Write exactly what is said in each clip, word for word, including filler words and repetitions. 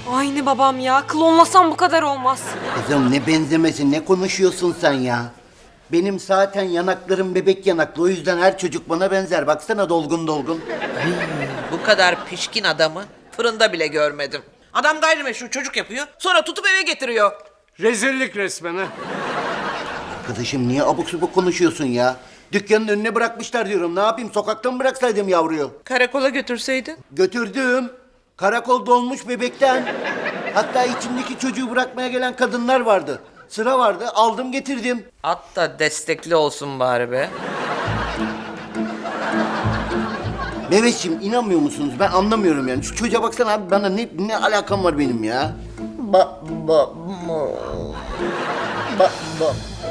Aynı babam ya. Klonlasam bu kadar olmaz. Kızım ne benzemesi, ne konuşuyorsun sen ya? Benim zaten yanaklarım bebek yanaklı. O yüzden her çocuk bana benzer. Baksana dolgun dolgun. Bu kadar pişkin adamı fırında bile görmedim. Adam gayrimeşru çocuk yapıyor, sonra tutup eve getiriyor. Rezillik resmen ha. Arkadaşım niye abuk subuk konuşuyorsun ya? Dükkanın önüne bırakmışlar diyorum. Ne yapayım? Sokakta mı bıraksaydım yavruyu? Karakola götürseydin. Götürdüm. Karakol dolmuş bebekten. Hatta içimdeki çocuğu bırakmaya gelen kadınlar vardı. Sıra vardı. Aldım getirdim. At da destekli olsun bari be. Mehmetciğim inanmıyor musunuz? Ben anlamıyorum yani. Şu çocuğa baksana abi, bana ne, ne alakam var benim ya? Ba ba ba ba ba.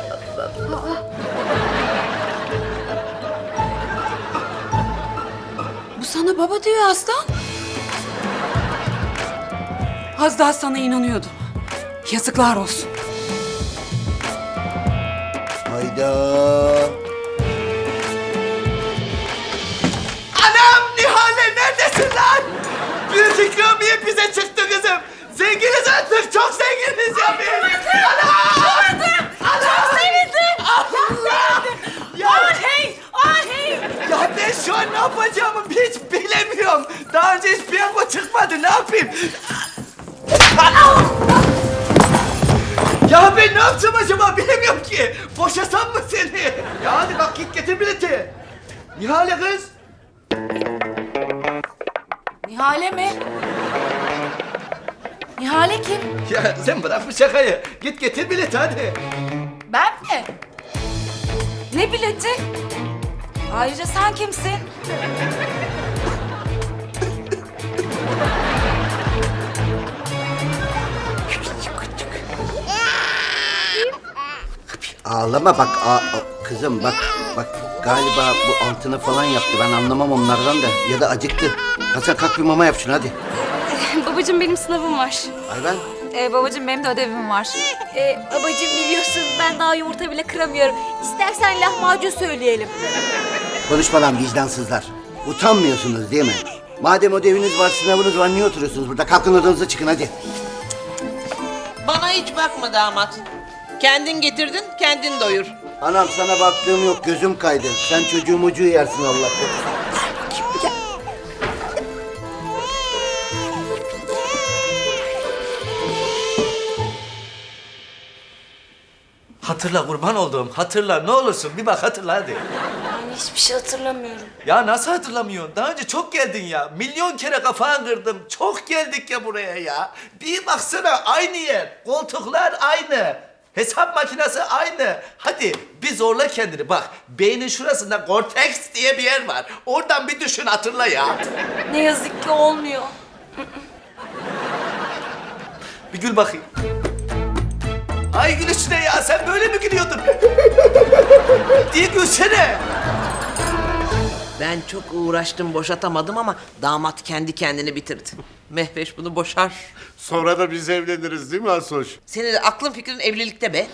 Bu sana baba diyor Aslan. Az daha sana inanıyordum. Yazıklar olsun. Hayda. Anam Nihale neredesin lan? Büyük ikramiye bize çıktı kızım. Zenginiz artık, çok zenginiz ya biz. Anam! Anam! Sevindim. Allah! Ya, Ahey! Ahey! ya ben şu an ne yapacağımı hiç bilemiyorum. Daha önce hiç piyango çıkmadı, ne yapayım? Anam! Ya ben ne yapacağım acaba bilemiyorum ki. Boşasam mı seni? Ya hadi bak git getir bileti. Nihale kız. Nihale mi? Nihale kim? Ya sen bırak bu şakayı. Git getir bileti hadi. Ben mi? Ne bileti? Ayrıca sen kimsin? Ağlama bak. A, a- kızım bak. Bak galiba bu altına falan yaptı. Ben anlamam onlardan da. Ya da acıktı. Hasan kalk bir mama yap şunu hadi. Babacığım benim sınavım var. Ayben. Ee, babacığım benim de ödevim var. Ee, babacığım biliyorsun ben daha yumurta bile kıramıyorum. İstersen lahmacun söyleyelim. Konuşma lan vicdansızlar. Utanmıyorsunuz değil mi? Madem ödeviniz var, sınavınız var, niye oturuyorsunuz burada? Kalkın odanıza çıkın hadi. Bana hiç bakma damat. Kendin getirdin, kendin doyur. Anam sana baktığım yok, gözüm kaydı. Sen çocuğu mucuğu yersin Allah korusun. Hatırla kurban olduğum, hatırla ne olursun bir bak hatırla hadi. Yani hiçbir şey hatırlamıyorum. Ya nasıl hatırlamıyorsun? Daha önce çok geldin ya. Milyon kere kafanı kırdım. Çok geldik ya buraya ya. Bir baksana aynı yer. Koltuklar aynı. Hesap makinesi aynı. Hadi bir zorla kendini. Bak beynin şurasında Cortex diye bir yer var. Oradan bir düşün hatırla ya. Ne yazık ki olmuyor. Bir gül bakayım. Ay gülüşüne ya sen böyle mi gülüyordun? Diye gülsene. Ben çok uğraştım, boşatamadım ama damat kendi kendini bitirdi. Mehveş bunu boşar. Sonra da biz evleniriz değil mi Asoş? Senin de aklın fikrin evlilikte be.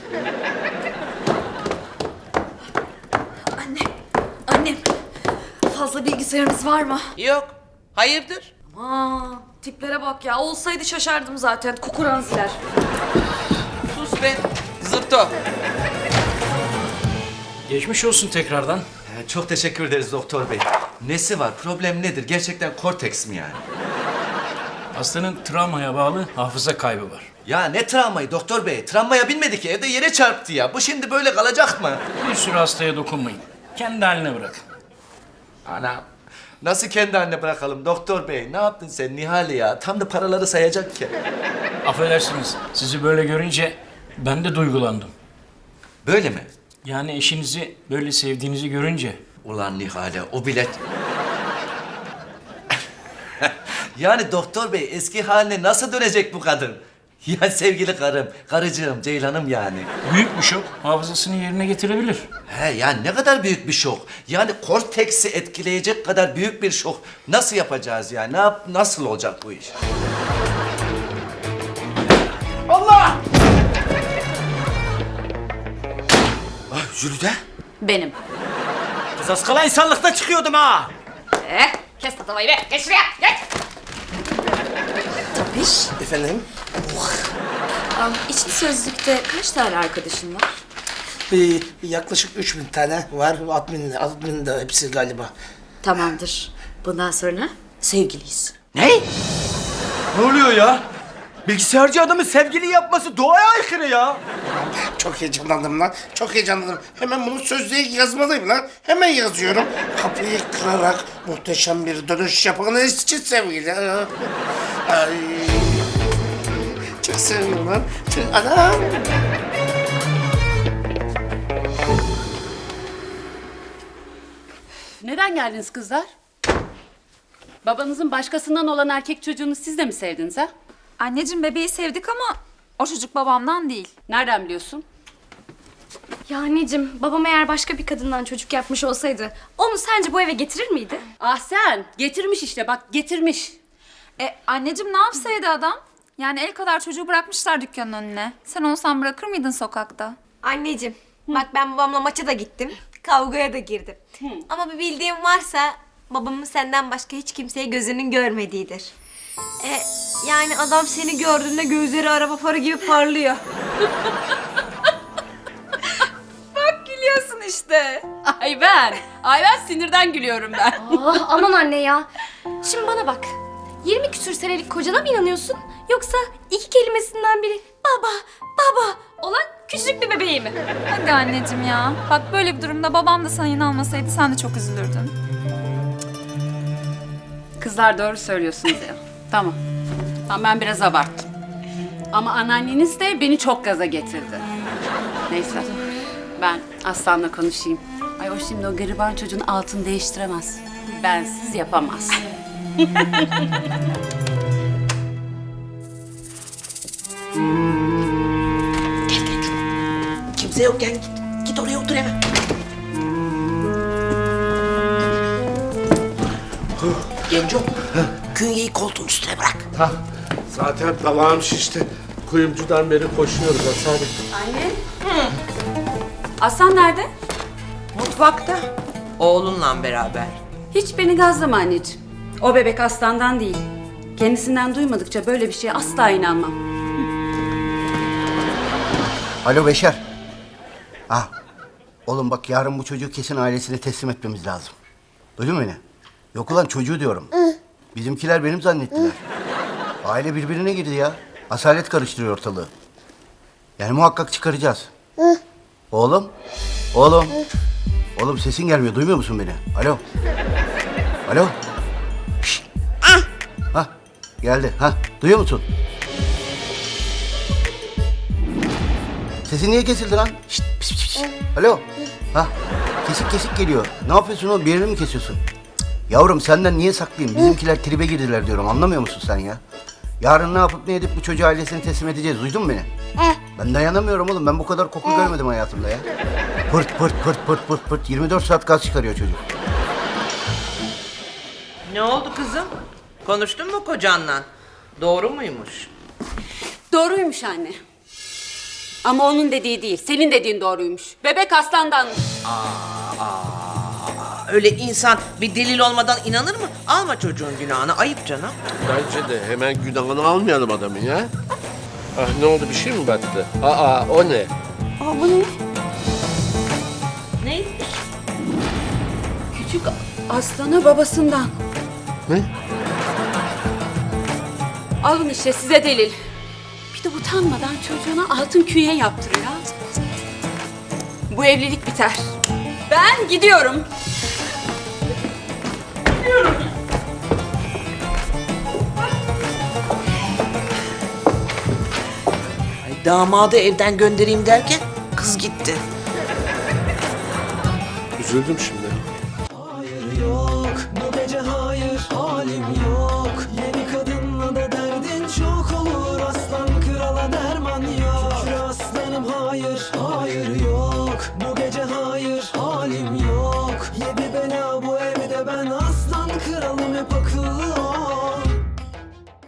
Anne, annem. Fazla bilgisayarınız var mı? Yok. Hayırdır? Aa, tiplere bak ya. Olsaydı şaşardım zaten. Kukuranziler. Sus be. Zırto. Geçmiş olsun tekrardan. Ee, Çok teşekkür ederiz doktor bey. Nesi var? Problem nedir? Gerçekten Cortex mi yani? Hastanın travmaya bağlı hafıza kaybı var. Ya ne travmayı doktor bey? Travmaya binmedi ki. Evde yere çarptı ya. Bu şimdi böyle kalacak mı? Bir sürü hastaya dokunmayın. Kendi haline bırakın. Anam. Nasıl kendi haline bırakalım doktor bey? Ne yaptın sen Nihale ya? Tam da paraları sayacak ki. Affedersiniz, sizi böyle görünce ben de duygulandım. Böyle mi? Yani eşinizi böyle sevdiğinizi görünce. Ulan Nihale o bilet... Yani doktor bey eski haline nasıl dönecek bu kadın? Ya sevgili karım, karıcığım, ceylanım yani. Büyük bir şok hafızasını yerine getirebilir. He yani ne kadar büyük bir şok. Yani korteksi etkileyecek kadar büyük bir şok. Nasıl yapacağız ya? Ne yap, nasıl olacak bu iş? Allah! Ah, Jülide. Benim. Kız az kala insanlıkta çıkıyordum ha. Eh, kes tatavayı be. Geç şuraya. Geç. Tapiş. efendim. İçli Sözlük'te kaç tane arkadaşın var? Ee, yaklaşık üç bin tane var. Admin, admin de hepsi galiba. Tamamdır. Bundan sonra sevgiliyiz. Ne? Ne oluyor ya? Bilgisayarcı adamın sevgili yapması doğaya aykırı ya. Çok heyecanlandım lan. Çok heyecanlandım. Hemen bunu sözlüğe yazmalıyım lan. Hemen yazıyorum. Kapıyı kırarak muhteşem bir dönüş yapanız için sevgili. Ay. Çok sevindim lan. Çok... Anam. Neden geldiniz kızlar? Babanızın başkasından olan erkek çocuğunu siz de mi sevdiniz ha? Anneciğim bebeği sevdik ama o çocuk babamdan değil. Nereden biliyorsun? Ya anneciğim, babam eğer başka bir kadından çocuk yapmış olsaydı onu sence bu eve getirir miydi? Ah sen getirmiş işte bak getirmiş. E anneciğim ne yapsaydı adam? Yani el kadar çocuğu bırakmışlar dükkanın önüne. Sen olsan bırakır mıydın sokakta? Anneciğim, bak ben babamla maça da gittim, kavgaya da girdim. Ama bir bildiğim varsa babamın senden başka hiç kimseye gözünün görmediğidir. E, yani adam seni gördüğünde gözleri araba farı gibi parlıyor. Gülüyorsun işte. Ay ben, ay ben sinirden gülüyorum ben. Ah aman anne ya. Şimdi bana bak. yirmi küsür senelik kocana mı inanıyorsun? Yoksa iki kelimesinden biri baba, baba olan küçücük bir bebeği mi? Hadi anneciğim ya. Bak böyle bir durumda babam da sana inanmasaydı sen de çok üzülürdün. Kızlar doğru söylüyorsunuz ya. Tamam. Tamam ben biraz abarttım. Ama anneanneniz de beni çok gaza getirdi. Neyse. Ben Aslan'la konuşayım. Ay o şimdi o gariban çocuğun altını değiştiremez. Bensiz yapamaz. Kimse yok gel git. Git oraya otur hemen. Genco, künyeyi koltuğun üstüne bırak. Ha, zaten dalağım şişti. Kuyumcudan beri koşuyoruz Hasan. Anne. Aslan nerede? Mutfakta. Oğlunla beraber. Hiç beni gazlama anneciğim. O bebek Aslan'dan değil. Kendisinden duymadıkça böyle bir şeye asla inanmam. Alo Beşer. Ah. Oğlum bak yarın bu çocuğu kesin ailesine teslim etmemiz lazım. Duydun mu beni? Yok ulan çocuğu diyorum. Bizimkiler benim zannettiler. Aile birbirine girdi ya. Asalet karıştırıyor ortalığı. Yani muhakkak çıkaracağız. Oğlum. Oğlum. Oğlum sesin gelmiyor. Duymuyor musun beni? Alo. Alo. Şşt. Hah. Geldi. Hah. Duyuyor musun? Sesin niye kesildi lan? Şşt, pis, pis, pis. Alo. Ha, kesik kesik geliyor. Ne yapıyorsun oğlum? Bir yerini mi kesiyorsun? Cık. Yavrum senden niye saklayayım? Bizimkiler tribe girdiler diyorum. Anlamıyor musun sen ya? Yarın ne yapıp ne edip bu çocuğu ailesine teslim edeceğiz. Duydun mu beni? Ben dayanamıyorum oğlum. Ben bu kadar koku görmedim hayatımda ya. Pırt pırt pırt pırt pırt pırt. yirmi dört saat gaz çıkarıyor çocuk. Ne oldu kızım? Konuştun mu kocanla? Doğru muymuş? Doğruymuş anne. Ama onun dediği değil, senin dediğin doğruymuş. Bebek Aslan'danmış. Öyle insan bir delil olmadan inanır mı? Alma çocuğun günahını. Ayıp canım. Bence de hemen günahını almayalım adamın ya. Ah ne oldu bir şey mi battı? Aa o ne? Aa bu ne? Ne? Küçük Aslan'ı babasından. Ne? Alın işte size delil. Bir de utanmadan çocuğuna altın küye yaptırıyor. Bu evlilik biter. Ben gidiyorum. Ay, damadı evden göndereyim derken kız gitti. Üzüldüm şimdi. Hayır yok, bu gece hayır, halim yok. Yeni kadınla da derdin çok olur, aslan krala derman yok. Şükür aslanım hayır, hayır.